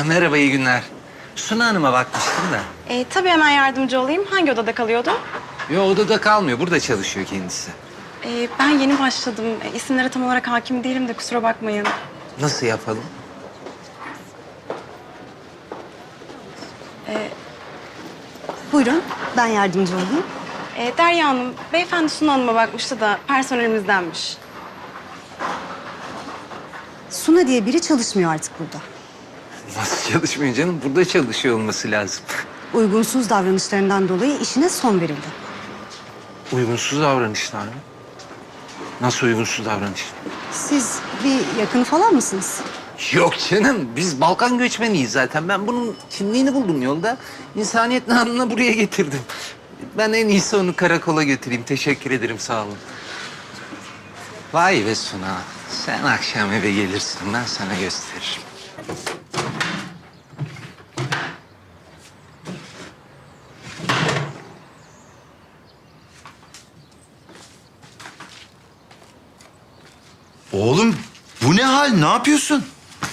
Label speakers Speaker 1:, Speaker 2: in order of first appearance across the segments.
Speaker 1: Merhaba, iyi günler. Suna Hanım'a bakmıştım da.
Speaker 2: Tabii hemen yardımcı olayım. Hangi odada kalıyordu?
Speaker 1: Yo, odada kalmıyor, burada çalışıyor kendisi.
Speaker 2: Ben yeni başladım. İsimlere tam olarak hakim değilim de kusura bakmayın.
Speaker 1: Nasıl yapalım?
Speaker 3: Buyurun, ben yardımcı olayım.
Speaker 2: Derya Hanım, beyefendi Suna Hanım'a bakmıştı da personelimizdenmiş.
Speaker 3: Suna diye biri çalışmıyor artık burada.
Speaker 1: Nasıl çalışmıyor canım? Burada çalışıyor olması lazım.
Speaker 3: Uygunsuz davranışlarından dolayı işine son verildi.
Speaker 1: Uygunsuz davranışlar mı? Nasıl uygunsuz davranış?
Speaker 3: Siz bir yakını falan mısınız?
Speaker 1: Yok canım, biz Balkan göçmeniyiz zaten. Ben bunun kimliğini buldum yolda. İnsaniyet namına buraya getirdim. Ben en iyisi onu karakola götüreyim. Teşekkür ederim, sağ olun. Vay be Suna, sen akşam eve gelirsin, ben sana gösteririm.
Speaker 4: Oğlum bu ne hal? Ne yapıyorsun?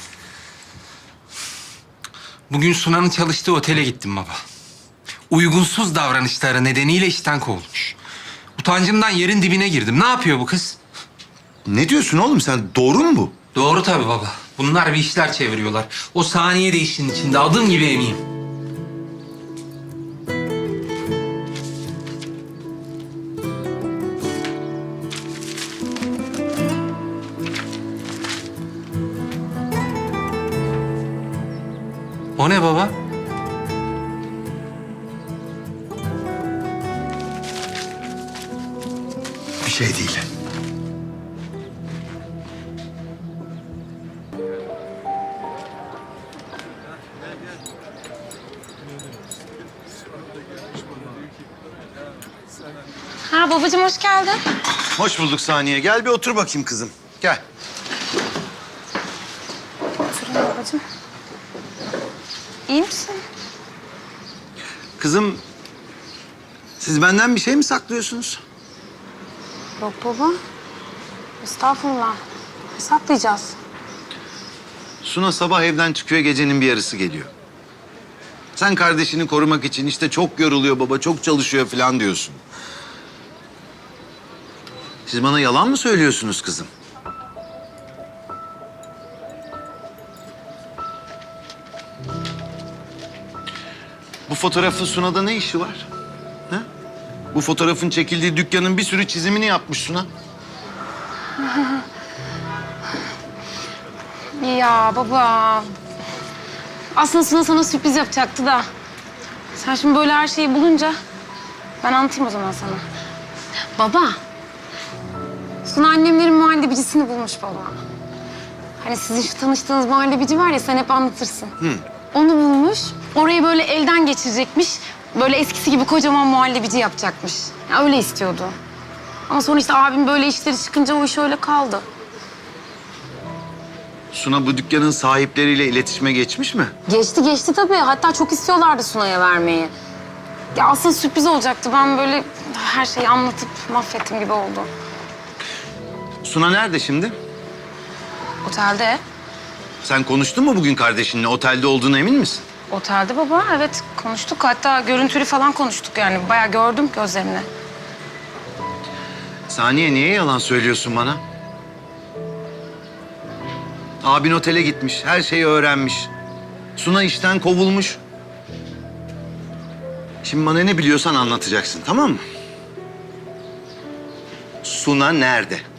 Speaker 1: Bugün Suna'nın çalıştığı otele gittim baba. Uygunsuz davranışları nedeniyle işten kovulmuş. Utancımdan yerin dibine girdim. Ne yapıyor bu kız?
Speaker 4: Ne diyorsun oğlum sen? Doğru mu bu?
Speaker 1: Doğru tabii baba. Bunlar bir işler çeviriyorlar. O saniye de işin içinde. Adım gibi eminim. O ne baba?
Speaker 4: Bir şey değil.
Speaker 5: Ha babacığım hoş geldin.
Speaker 4: Hoş bulduk Saniye. Gel bir otur bakayım kızım. Gel.
Speaker 5: Oturun babacığım. İyi misin?
Speaker 4: Kızım, siz benden bir şey mi saklıyorsunuz?
Speaker 5: Yok baba. Estağfurullah. Ne saklayacağız?
Speaker 4: Suna sabah evden çıkıyor, gecenin bir yarısı geliyor. Sen kardeşini korumak için işte çok yoruluyor baba, çok çalışıyor falan diyorsun. Siz bana yalan mı söylüyorsunuz kızım? Bu fotoğrafın Suna'da ne işi var? Ha? Bu fotoğrafın çekildiği dükkanın bir sürü çizimini yapmış Suna.
Speaker 5: Ya baba. Aslında Suna sana sürpriz yapacaktı da. Sen şimdi böyle her şeyi bulunca ben anlatayım o zaman sana. Baba. Suna annemlerin muhallebicisini bulmuş baba. Hani sizin şu tanıştığınız muhallebici var ya sen hep anlatırsın. Onu bulmuş. Orayı böyle elden geçirecekmiş. Böyle eskisi gibi kocaman muhallebici yapacakmış. Ya öyle istiyordu. Ama sonra işte abim böyle işleri çıkınca o iş öyle kaldı.
Speaker 4: Suna bu dükkanın sahipleriyle iletişime geçmiş mi?
Speaker 5: Geçti tabii. Hatta çok istiyorlardı Suna'ya vermeyi. Ya aslında sürpriz olacaktı. Ben böyle her şeyi anlatıp mahvettim gibi oldu.
Speaker 4: Suna nerede şimdi?
Speaker 5: Otelde.
Speaker 4: Sen konuştun mu bugün kardeşinle? Otelde olduğuna emin misin?
Speaker 5: Otelde baba. Evet konuştuk. Hatta görüntülü falan konuştuk yani. Bayağı gördüm gözlerini.
Speaker 4: Saniye niye yalan söylüyorsun bana? Abin otele gitmiş, her şeyi öğrenmiş. Suna işten kovulmuş. Şimdi bana ne biliyorsan anlatacaksın, tamam mı? Suna nerede?